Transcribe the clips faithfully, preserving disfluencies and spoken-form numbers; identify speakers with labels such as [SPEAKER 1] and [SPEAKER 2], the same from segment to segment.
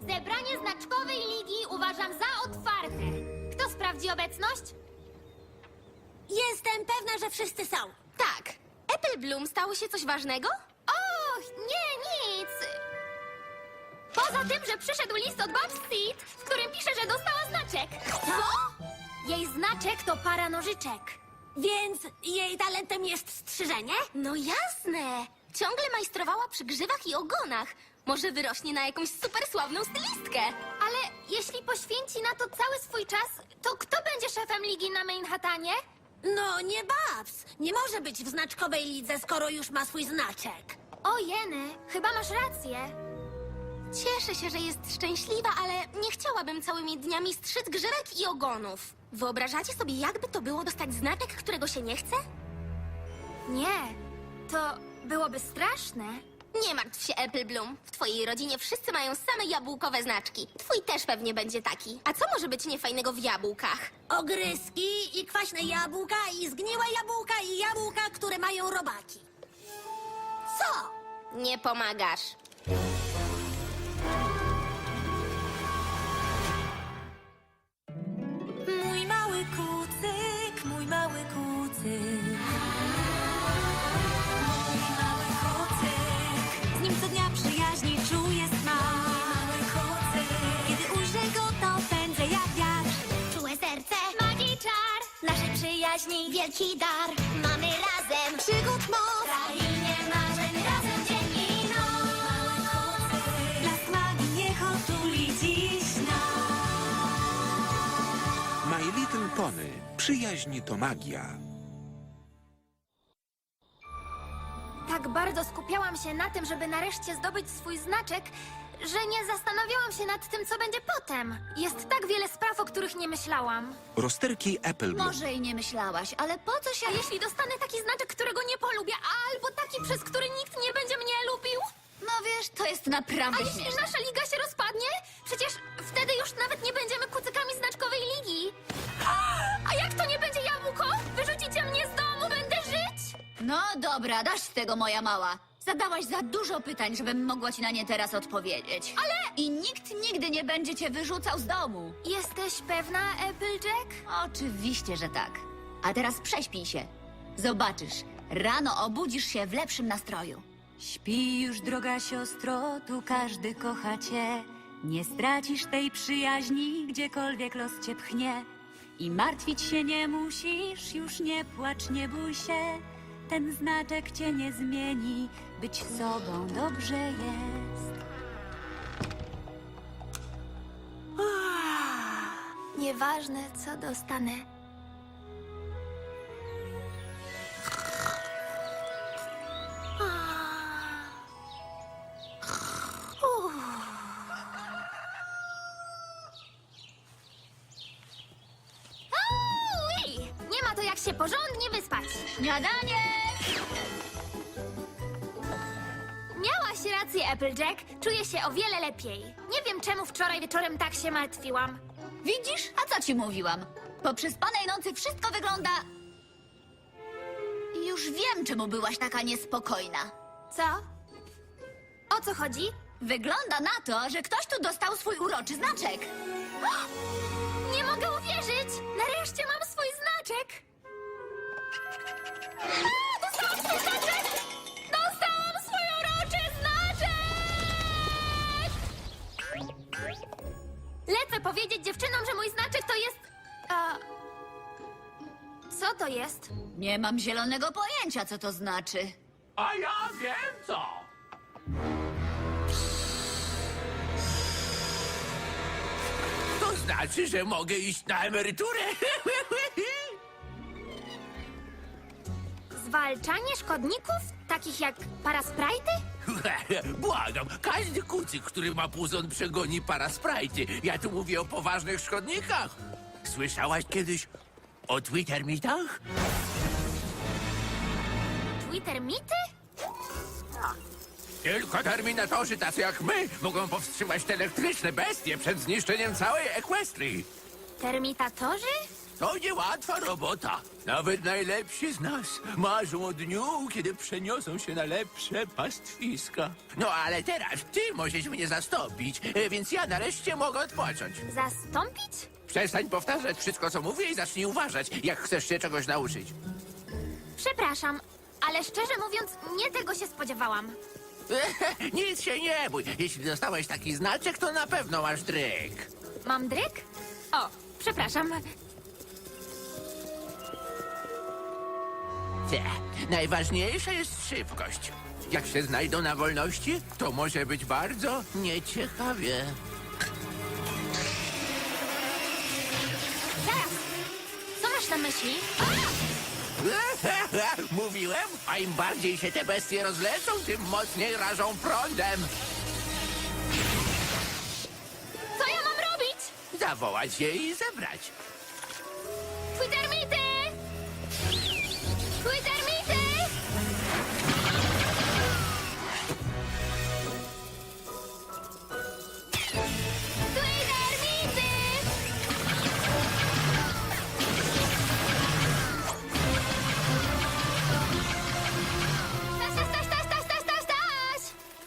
[SPEAKER 1] Zebranie znaczkowej ligi uważam za otwarte. Kto sprawdzi obecność?
[SPEAKER 2] Jestem pewna, że wszyscy są.
[SPEAKER 3] Tak. Apple Bloom stało się coś ważnego?
[SPEAKER 1] Och, nie, nic. Poza tym, że przyszedł list od Babs Seed, w którym pisze, że dostała znaczek.
[SPEAKER 2] Co?
[SPEAKER 1] Jej znaczek to para nożyczek.
[SPEAKER 2] Więc jej talentem jest strzyżenie?
[SPEAKER 3] No jasne. Ciągle majstrowała przy grzywach i ogonach. Może wyrośnie na jakąś super sławną stylistkę.
[SPEAKER 1] Ale jeśli poświęci na to cały swój czas, to kto będzie szefem ligi na Manhattanie?
[SPEAKER 2] No nie Babs. Nie może być w znaczkowej lidze, skoro już ma swój znaczek.
[SPEAKER 1] O jeny, chyba masz rację.
[SPEAKER 3] Cieszę się, że jest szczęśliwa, ale nie chciałabym całymi dniami strzyc grzywek i ogonów. Wyobrażacie sobie, jakby to było dostać znaczek, którego się nie chce?
[SPEAKER 1] Nie, to byłoby straszne.
[SPEAKER 3] Nie martw się, Apple Bloom. W twojej rodzinie wszyscy mają same jabłkowe znaczki. Twój też pewnie będzie taki. A co może być niefajnego w jabłkach?
[SPEAKER 2] Ogryski i kwaśne jabłka i zgniłe jabłka i jabłka, które mają robaki. Co?
[SPEAKER 3] Nie pomagasz.
[SPEAKER 4] Mój mały kucyk, mój mały kucyk. Mój mały kucyk. Z nim co dnia przyjaźni czuję smak. Mały kucyk. Kiedy ujrzę go, to pędzę jak wiatr.
[SPEAKER 1] Czułe serce, magii czar, naszej przyjaźni wielki dar. Mamy razem
[SPEAKER 4] Przygód moc.
[SPEAKER 1] krainie marzeń, razem dzień i noc.
[SPEAKER 4] Blask magii niech otuli dziś nas.
[SPEAKER 5] My Little Pony. Przyjaźń to magia.
[SPEAKER 1] Tak bardzo skupiałam się na tym, żeby nareszcie zdobyć swój znaczek, że nie zastanawiałam się nad tym, co będzie potem. Jest tak wiele spraw, o których nie myślałam.
[SPEAKER 5] Rozterki Apple Bloom.
[SPEAKER 6] Może i nie myślałaś, ale po co się...
[SPEAKER 1] A jeśli dostanę taki znaczek, którego nie polubię, albo taki, przez który nikt nie będzie mnie lubił?
[SPEAKER 6] No wiesz, to jest naprawdę
[SPEAKER 1] A jeśli
[SPEAKER 6] śmieszne.
[SPEAKER 1] nasza liga się rozpadnie? Przecież wtedy już nawet nie będziemy kucykami znaczkowej ligi. A jak to nie będzie jabłko? Wyrzucicie mnie z domu, będę żyć?
[SPEAKER 6] No dobra, dasz z tego, moja mała. Zadałaś za dużo pytań, żebym mogła ci na nie teraz odpowiedzieć.
[SPEAKER 1] Ale...
[SPEAKER 6] I nikt nigdy nie będzie cię wyrzucał z domu.
[SPEAKER 1] Jesteś pewna, Applejack?
[SPEAKER 6] Oczywiście, że tak. A teraz prześpij się. Zobaczysz, rano obudzisz się w lepszym nastroju.
[SPEAKER 4] Śpi już, droga siostro, tu każdy kocha cię. Nie stracisz tej przyjaźni, gdziekolwiek los cię pchnie. I martwić się nie musisz, już nie płacz, nie bój się. Ten znaczek cię nie zmieni, być sobą dobrze jest.
[SPEAKER 1] Nieważne, co dostanę. Ui! Nie ma to jak się porządnie wyspać.
[SPEAKER 6] Śniadanie!
[SPEAKER 1] Miałaś rację, Applejack. Czuję się o wiele lepiej. Nie wiem, czemu wczoraj wieczorem tak się martwiłam.
[SPEAKER 6] Widzisz? A co ci mówiłam? Po przespanej nocy wszystko wygląda... Już wiem, czemu byłaś taka niespokojna.
[SPEAKER 1] Co? O co chodzi?
[SPEAKER 6] Wygląda na to, że ktoś tu dostał swój uroczy znaczek.
[SPEAKER 1] Nie mogę uwierzyć! Nareszcie mam swój znaczek! A, dostałam swój znaczek! Dostałam swój uroczy znaczek! Lecę powiedzieć dziewczynom, że mój znaczek to jest... A... Co to jest?
[SPEAKER 6] Nie mam zielonego pojęcia, co to znaczy.
[SPEAKER 7] A ja wiem co! To znaczy, że mogę iść na emeryturę.
[SPEAKER 1] Zwalczanie szkodników? Takich jak parasprajty?
[SPEAKER 7] Błagam, każdy kucyk, który ma puzon, przegoni parasprajty. Ja tu mówię o poważnych szkodnikach. Słyszałaś kiedyś o Twittermitach?
[SPEAKER 1] Twittermity?
[SPEAKER 7] Tylko terminatorzy tacy jak my mogą powstrzymać te elektryczne bestie przed zniszczeniem całej Equestrii.
[SPEAKER 1] Termitatorzy?
[SPEAKER 7] To niełatwa robota. Nawet najlepsi z nas marzą o dniu, kiedy przeniosą się na lepsze pastwiska. No ale teraz ty możesz mnie zastąpić, e, więc ja nareszcie mogę odpocząć.
[SPEAKER 1] Zastąpić?
[SPEAKER 7] Przestań powtarzać wszystko, co mówię i zacznij uważać, jak chcesz się czegoś nauczyć.
[SPEAKER 1] Przepraszam, ale szczerze mówiąc, nie tego się spodziewałam.
[SPEAKER 7] Nic się nie bój. Jeśli dostałeś taki znaczek, to na pewno masz dryk.
[SPEAKER 1] Mam dryk? O, przepraszam.
[SPEAKER 7] Te, najważniejsza jest szybkość. Jak się znajdą na wolności, to może być bardzo nieciekawie.
[SPEAKER 1] Zaraz! Co masz na myśli?
[SPEAKER 7] Mówiłem, a im bardziej się te bestie rozlecą, tym mocniej rażą prądem.
[SPEAKER 1] Co ja mam robić?
[SPEAKER 7] Zawołać je i zebrać.
[SPEAKER 1] Twittermity! Twittermity! Twittermity! Staś, staś, staś, staś, staś, staś, staś!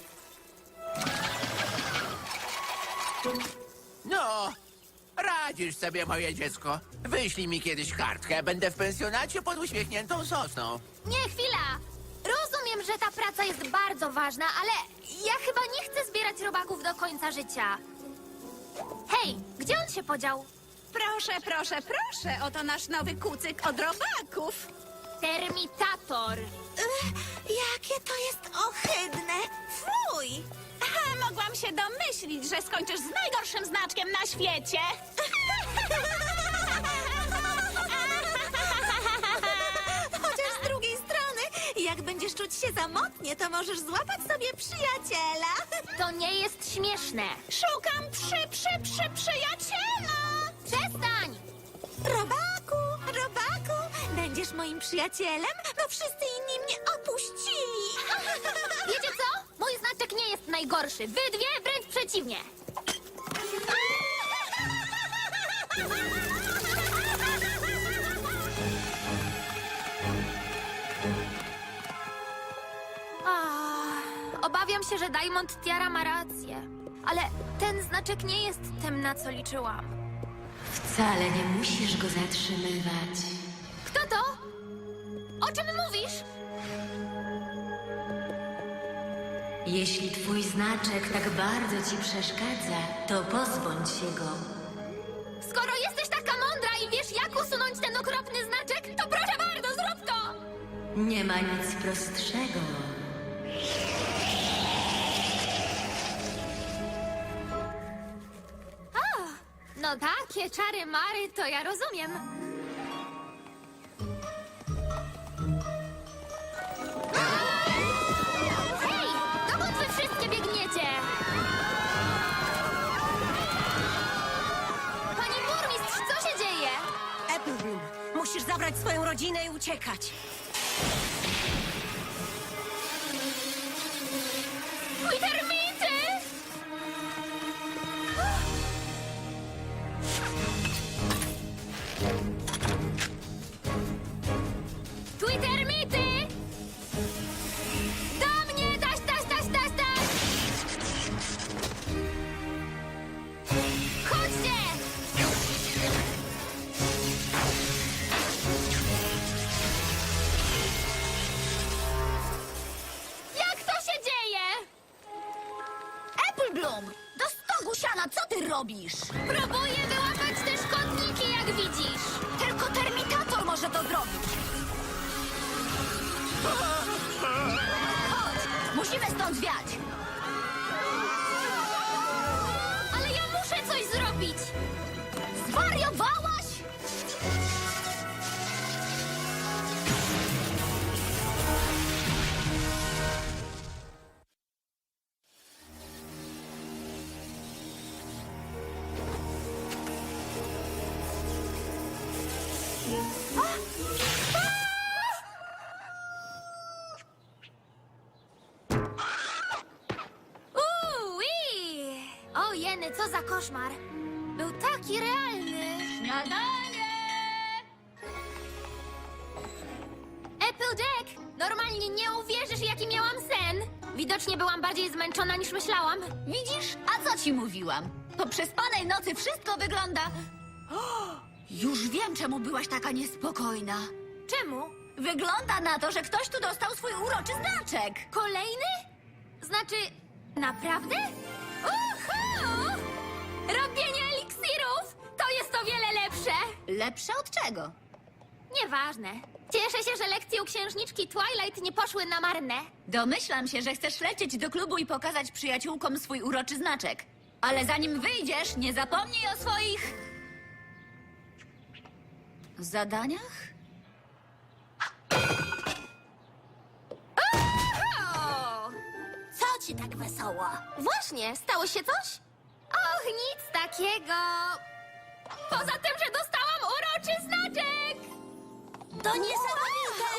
[SPEAKER 7] No, radzisz sobie, moje dziecko. Wyślij mi kiedyś kartkę. Będę w pensjonacie pod uśmiechniętą sosną.
[SPEAKER 1] Nie, chwila! Rozumiem, że ta praca jest bardzo ważna, ale ja chyba nie chcę zbierać robaków do końca życia. Hej, gdzie on się podział?
[SPEAKER 8] Proszę, proszę, proszę, oto nasz nowy kucyk od robaków.
[SPEAKER 1] Termitator.
[SPEAKER 8] Jakie to jest ohydne! Fuj! Aha, mogłam się domyślić, że skończysz z najgorszym znaczkiem na świecie. Chociaż z drugiej strony, jak będziesz czuć się samotnie, to możesz złapać sobie przyjaciela.
[SPEAKER 1] To nie jest śmieszne.
[SPEAKER 8] Szukam przy, przy, przy przyjaciela!
[SPEAKER 1] Przestań!
[SPEAKER 8] Robaku, robaku, będziesz moim przyjacielem? No wszyscy inni mnie opuścili.
[SPEAKER 1] Wiecie co? Mój znaczek nie jest najgorszy. Wy dwie wręcz przeciwnie. Ah, obawiam się, że Diamond Tiara ma rację. Ale ten znaczek nie jest tym, na co liczyłam.
[SPEAKER 6] Wcale nie musisz go zatrzymywać.
[SPEAKER 1] Kto to? O czym mówisz?
[SPEAKER 6] Jeśli twój znaczek tak bardzo ci przeszkadza, to pozbądź się go.
[SPEAKER 1] Skoro jesteś taka mądra i wiesz, jak usunąć ten okropny znaczek, to proszę bardzo, zrób to!
[SPEAKER 6] Nie ma nic prostszego.
[SPEAKER 1] No takie czary mary, to ja rozumiem. Hej, dokąd wy wszystkie biegniecie? Pani burmistrz, co się dzieje?
[SPEAKER 2] Applebloom, musisz zabrać swoją rodzinę i uciekać.
[SPEAKER 1] Mój termity! Twittermity! Do mnie! Taś, taś, taś, taś, taś! Chodźcie! Jak to się dzieje?
[SPEAKER 6] Applebloom! Do stogu siana, co ty robisz?
[SPEAKER 1] Próbuję wyłapać te szkodniki, jak widzisz.
[SPEAKER 6] Tylko termitator może to zrobić. Chodź, musimy stąd zwiać.
[SPEAKER 1] Ale ja muszę coś zrobić.
[SPEAKER 6] Zwariowałaś?
[SPEAKER 1] Uuu, o jeny, co za koszmar. Był taki realny.
[SPEAKER 6] Śniadanie!
[SPEAKER 1] Dzień, nie uwierzysz, jaki miałam sen! Widocznie byłam bardziej zmęczona niż myślałam.
[SPEAKER 6] Widzisz? A co ci mówiłam? Po przespanej nocy wszystko wygląda... O, już wiem, czemu byłaś taka niespokojna.
[SPEAKER 1] Czemu?
[SPEAKER 6] Wygląda na to, że ktoś tu dostał swój uroczy znaczek.
[SPEAKER 1] Kolejny? Znaczy, naprawdę? Uhu! Robienie eliksirów! To jest o wiele lepsze!
[SPEAKER 6] Lepsze od czego?
[SPEAKER 1] Nieważne. Cieszę się, że lekcje u księżniczki Twilight nie poszły na marne.
[SPEAKER 6] Domyślam się, że chcesz lecieć do klubu i pokazać przyjaciółkom swój uroczy znaczek. Ale zanim wyjdziesz, nie zapomnij o swoich... zadaniach?
[SPEAKER 1] O!
[SPEAKER 2] Co ci tak wesoło?
[SPEAKER 3] Właśnie, stało się coś?
[SPEAKER 1] Och, nic takiego. Poza tym, że dostałam uroczy znaczek!
[SPEAKER 2] To niesamowite!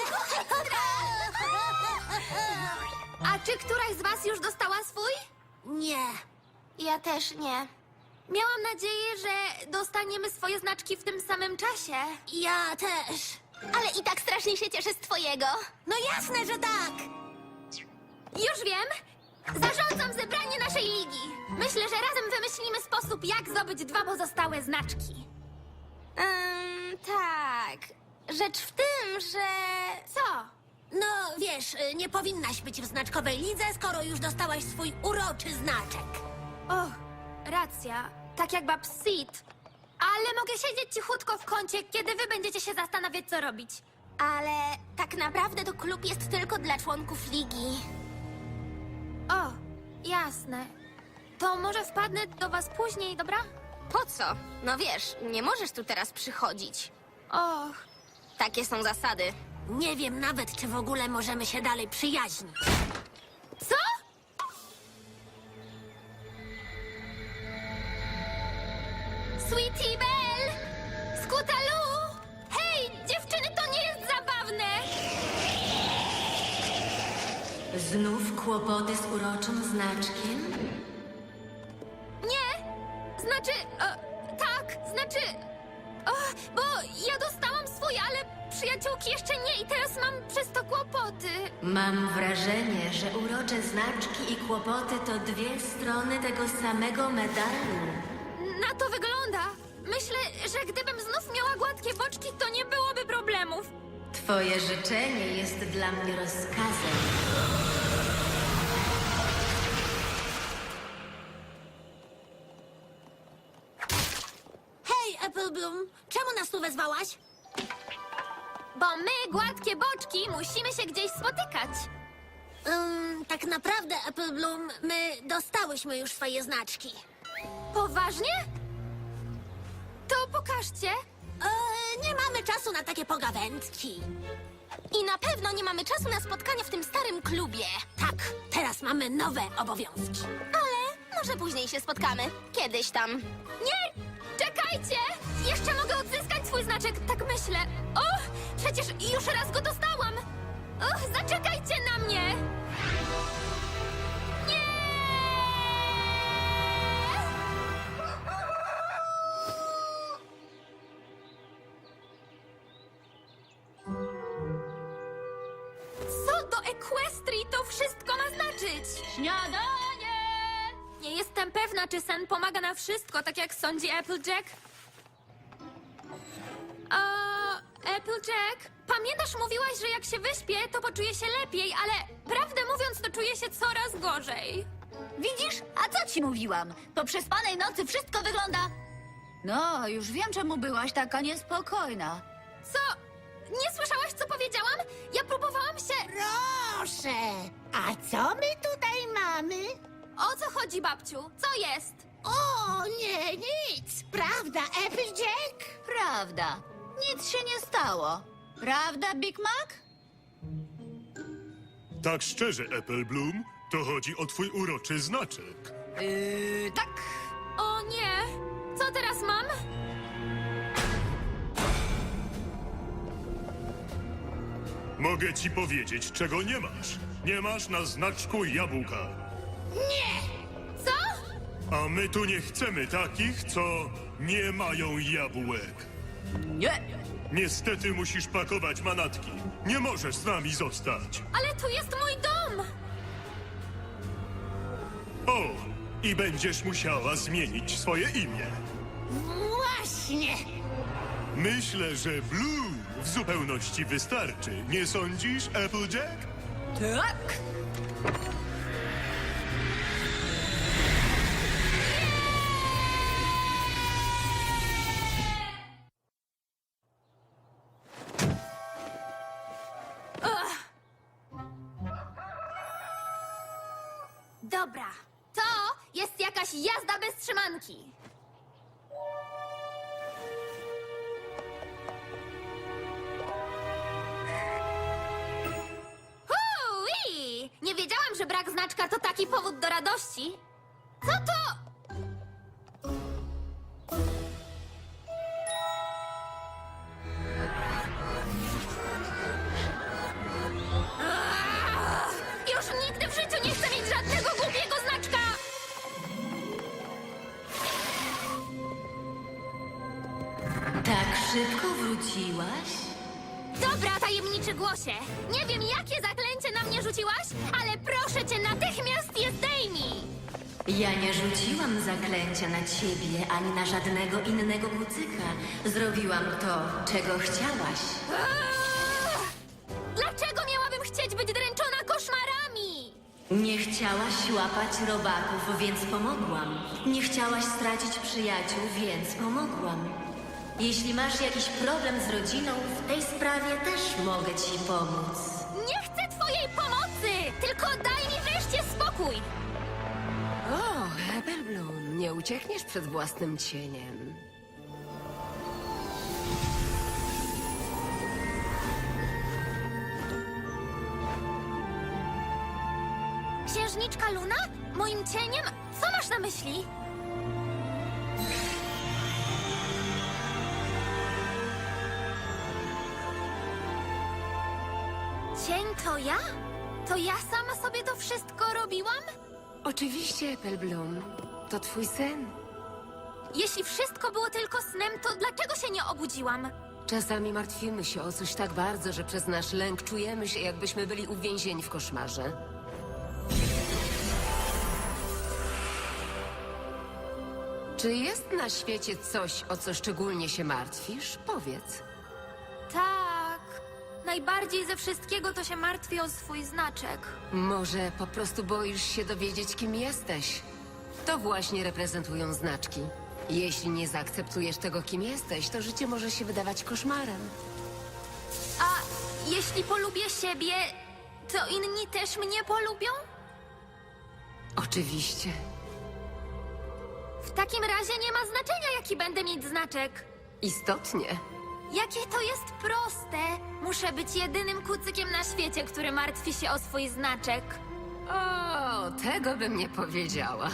[SPEAKER 1] A czy któraś z was już dostała swój?
[SPEAKER 2] Nie.
[SPEAKER 3] Ja też nie.
[SPEAKER 1] Miałam nadzieję, że dostaniemy swoje znaczki w tym samym czasie.
[SPEAKER 2] Ja też.
[SPEAKER 3] Ale i tak strasznie się cieszę z twojego.
[SPEAKER 2] No jasne, że tak.
[SPEAKER 1] Już wiem! Zarządzam zebranie naszej ligi. Myślę, że razem wymyślimy sposób, jak zdobyć dwa pozostałe znaczki.
[SPEAKER 3] Ym, tak. Rzecz w tym, że...
[SPEAKER 1] Co?
[SPEAKER 2] No wiesz, y, nie powinnaś być w znaczkowej lidze, skoro już dostałaś swój uroczy znaczek.
[SPEAKER 1] O, racja. Tak jak bab Sid. Ale mogę siedzieć cichutko w kącie, kiedy wy będziecie się zastanawiać, co robić.
[SPEAKER 3] Ale tak naprawdę to klub jest tylko dla członków ligi.
[SPEAKER 1] O, jasne. To może wpadnę do was później, dobra?
[SPEAKER 3] Po co? No wiesz, nie możesz tu teraz przychodzić.
[SPEAKER 1] Och,
[SPEAKER 3] Takie są zasady.
[SPEAKER 2] Nie wiem nawet, czy w ogóle możemy się dalej przyjaźnić.
[SPEAKER 1] co? Sweetie Belle! Scootaloo! Hej, dziewczyny, to nie jest zabawne!
[SPEAKER 9] Znów kłopoty z uroczym znaczkiem?
[SPEAKER 1] Nie! Znaczy, e, tak, znaczy... O, bo ja dostałam swój, ale przyjaciółki jeszcze nie i teraz mam przez to kłopoty.
[SPEAKER 9] Mam wrażenie, że urocze znaczki i kłopoty to dwie strony tego samego medalu.
[SPEAKER 1] Na to wygląda. Myślę, że gdybym znów miała gładkie boczki, to nie byłoby problemów.
[SPEAKER 9] Twoje życzenie jest dla mnie rozkazem.
[SPEAKER 2] Hej, Apple Bloom, czemu nas tu wezwałaś?
[SPEAKER 1] Bo my, gładkie boczki, musimy się gdzieś spotykać.
[SPEAKER 2] Ym, tak naprawdę, Apple Bloom, my dostałyśmy już swoje znaczki.
[SPEAKER 1] Poważnie? To pokażcie.
[SPEAKER 2] E, nie mamy czasu na takie pogawędki.
[SPEAKER 3] I na pewno nie mamy czasu na spotkania w tym starym klubie.
[SPEAKER 2] Tak, teraz mamy nowe obowiązki.
[SPEAKER 3] Ale może później się spotkamy. Kiedyś tam.
[SPEAKER 1] Nie! Czekajcie! Jeszcze mogę odzyskać swój znaczek, tak myślę. O! Przecież już raz go dostałam! Och, zaczekajcie na mnie! Nie! Co do Equestrii to wszystko ma znaczyć?
[SPEAKER 6] Śniadanie!
[SPEAKER 1] Nie jestem pewna, czy sen pomaga na wszystko, tak jak sądzi Applejack. O, Applejack, pamiętasz, mówiłaś, że jak się wyśpię, to poczuję się lepiej, ale prawdę mówiąc, to czuję się coraz gorzej.
[SPEAKER 6] Widzisz? A co ci mówiłam? Po przespanej nocy wszystko wygląda... No, już wiem, czemu byłaś taka niespokojna.
[SPEAKER 1] Co? Nie słyszałaś, co powiedziałam? Ja próbowałam się...
[SPEAKER 2] Proszę, a co my tutaj mamy?
[SPEAKER 1] O co chodzi, babciu? Co jest?
[SPEAKER 2] O, nie, nic. Prawda, Applejack?
[SPEAKER 6] Prawda. Nic się nie stało. Prawda, Big Mac?
[SPEAKER 10] Tak szczerze, Apple Bloom, to chodzi o twój uroczy znaczek.
[SPEAKER 6] Yy, tak.
[SPEAKER 1] O nie! Co teraz mam?
[SPEAKER 10] Mogę ci powiedzieć, czego nie masz. Nie masz na znaczku jabłka.
[SPEAKER 1] Co?
[SPEAKER 10] A my tu nie chcemy takich, co nie mają jabłek.
[SPEAKER 4] Nie.
[SPEAKER 10] Niestety musisz pakować manatki. Nie możesz z nami zostać.
[SPEAKER 1] Ale tu jest mój dom!
[SPEAKER 10] O, i będziesz musiała zmienić swoje imię.
[SPEAKER 2] Właśnie!
[SPEAKER 10] Myślę, że Blue w zupełności wystarczy. Nie sądzisz, Applejack?
[SPEAKER 4] Tak.
[SPEAKER 1] Dobra, to jest jakaś jazda bez trzymanki. Hui! Nie wiedziałam, że brak znaczka to taki powód do radości. Co to? Aaa! Już nigdy w życiu nie chcę mieć żadnego głupiego znaczka!
[SPEAKER 9] Tak szybko wróciłaś?
[SPEAKER 1] Dobra, tajemniczy głosie. Nie wiem, jakie zaklęcie na mnie rzuciłaś, ale proszę cię, natychmiast je zdejmij!
[SPEAKER 9] Ja nie rzuciłam zaklęcia na ciebie ani na żadnego innego kucyka. Zrobiłam to, czego chciałaś.
[SPEAKER 1] Aaa! Dlaczego miałabym chcieć być dręczona koszmarami?
[SPEAKER 9] Nie chciałaś łapać robaków, więc pomogłam. Nie chciałaś stracić przyjaciół, więc pomogłam. Jeśli masz jakiś problem z rodziną, w tej sprawie też mogę ci pomóc.
[SPEAKER 1] Nie chcę twojej pomocy! Tylko daj mi wreszcie spokój!
[SPEAKER 11] O, Appleblum, nie uciekniesz przed własnym cieniem.
[SPEAKER 1] Księżniczka Luna? Moim cieniem? Co masz na myśli? Cień to ja? To ja sama sobie to wszystko robiłam?
[SPEAKER 11] Oczywiście, Appleblum, to twój sen.
[SPEAKER 1] Jeśli wszystko było tylko snem, to dlaczego się nie obudziłam?
[SPEAKER 11] Czasami martwimy się o coś tak bardzo, że przez nasz lęk czujemy się, jakbyśmy byli uwięzieni w koszmarze. Czy jest na świecie coś, o co szczególnie się martwisz? Powiedz.
[SPEAKER 1] Tak. Najbardziej ze wszystkiego to się martwię o swój znaczek.
[SPEAKER 11] Może po prostu boisz się dowiedzieć, kim jesteś? To właśnie reprezentują znaczki. Jeśli nie zaakceptujesz tego, kim jesteś, to życie może się wydawać koszmarem.
[SPEAKER 1] A jeśli polubię siebie, to inni też mnie polubią?
[SPEAKER 11] Oczywiście.
[SPEAKER 1] W takim razie nie ma znaczenia, jaki będę mieć znaczek.
[SPEAKER 11] Istotnie.
[SPEAKER 1] Jakie to jest proste. Muszę być jedynym kucykiem na świecie, który martwi się o swój znaczek.
[SPEAKER 11] O, tego bym nie powiedziała.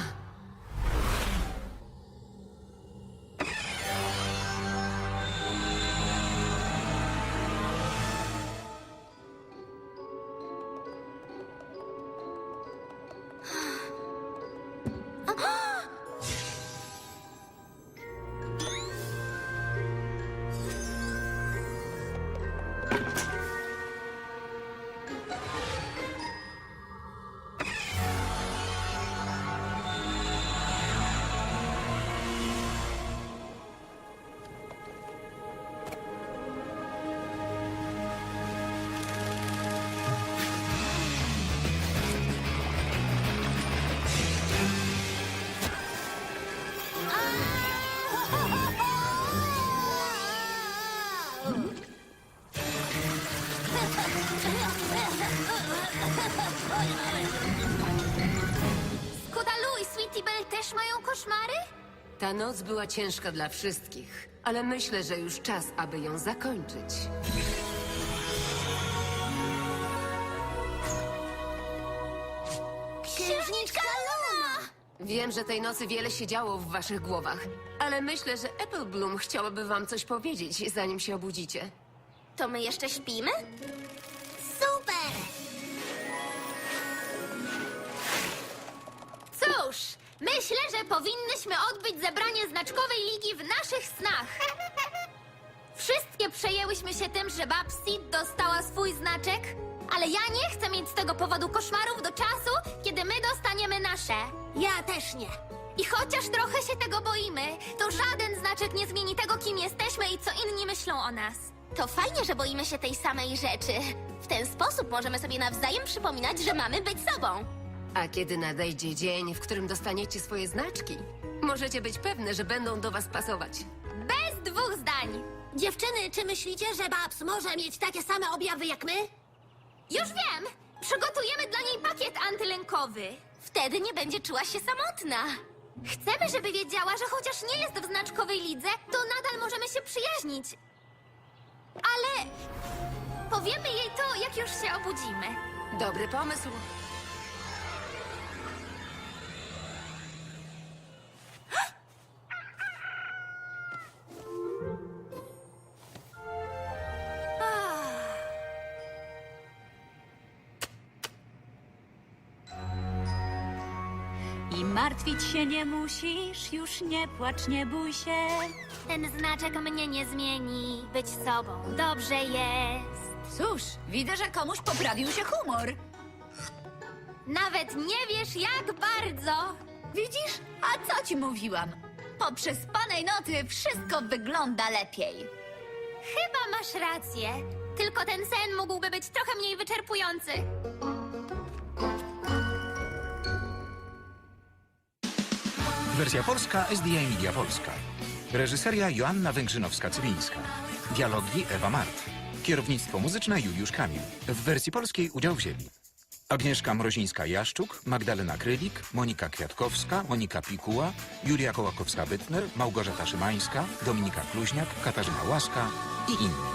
[SPEAKER 1] Skudalu i Sweetie Belle też mają koszmary?
[SPEAKER 11] Ta noc była ciężka dla wszystkich, ale myślę, że już czas, aby ją zakończyć.
[SPEAKER 1] Księżniczka Luna!
[SPEAKER 11] Wiem, że tej nocy wiele się działo w waszych głowach, ale myślę, że Appleblum chciałaby wam coś powiedzieć, zanim się obudzicie.
[SPEAKER 3] To my jeszcze śpimy?
[SPEAKER 2] Super!
[SPEAKER 1] Cóż, myślę, że powinnyśmy odbyć zebranie znaczkowej ligi w naszych snach. Wszystkie przejęłyśmy się tym, że Babsit dostała swój znaczek, ale ja nie chcę mieć z tego powodu koszmarów do czasu, kiedy my dostaniemy nasze.
[SPEAKER 2] Ja też nie.
[SPEAKER 1] I chociaż trochę się tego boimy, to żaden znaczek nie zmieni tego, kim jesteśmy i co inni myślą o nas.
[SPEAKER 3] To fajnie, że boimy się tej samej rzeczy. W ten sposób możemy sobie nawzajem przypominać, że mamy być sobą.
[SPEAKER 11] A kiedy nadejdzie dzień, w którym dostaniecie swoje znaczki, możecie być pewne, że będą do was pasować.
[SPEAKER 1] Bez dwóch zdań.
[SPEAKER 2] Dziewczyny, czy myślicie, że Babs może mieć takie same objawy jak my?
[SPEAKER 1] Już wiem! Przygotujemy dla niej pakiet antylękowy.
[SPEAKER 3] Wtedy nie będzie czuła się samotna.
[SPEAKER 1] Chcemy, żeby wiedziała, że chociaż nie jest w znaczkowej lidze, to nadal możemy się przyjaźnić. Ale powiemy jej to, jak już się obudzimy.
[SPEAKER 11] Dobry pomysł.
[SPEAKER 4] I martwić się nie musisz, już nie płacz, nie bój się.
[SPEAKER 1] Ten znaczek mnie nie zmieni. Być sobą dobrze jest.
[SPEAKER 6] Cóż, widzę, że komuś poprawił się humor.
[SPEAKER 1] Nawet nie wiesz, jak bardzo.
[SPEAKER 6] Widzisz? A co ci mówiłam? Po przespanej nocy wszystko wygląda lepiej.
[SPEAKER 1] Chyba masz rację. Tylko ten sen mógłby być trochę mniej wyczerpujący.
[SPEAKER 12] Wersja polska S D A Media Polska. Reżyseria Joanna Węgrzynowska-Cywińska. Dialogi Ewa Mart. Kierownictwo muzyczne Juliusz Kamil. W wersji polskiej udział wzięli Agnieszka Mrozińska-Jaszczuk, Magdalena Krylik, Monika Kwiatkowska, Monika Pikuła, Julia Kołakowska-Bytner, Małgorzata Szymańska, Dominika Kluźniak, Katarzyna Łaska i inni.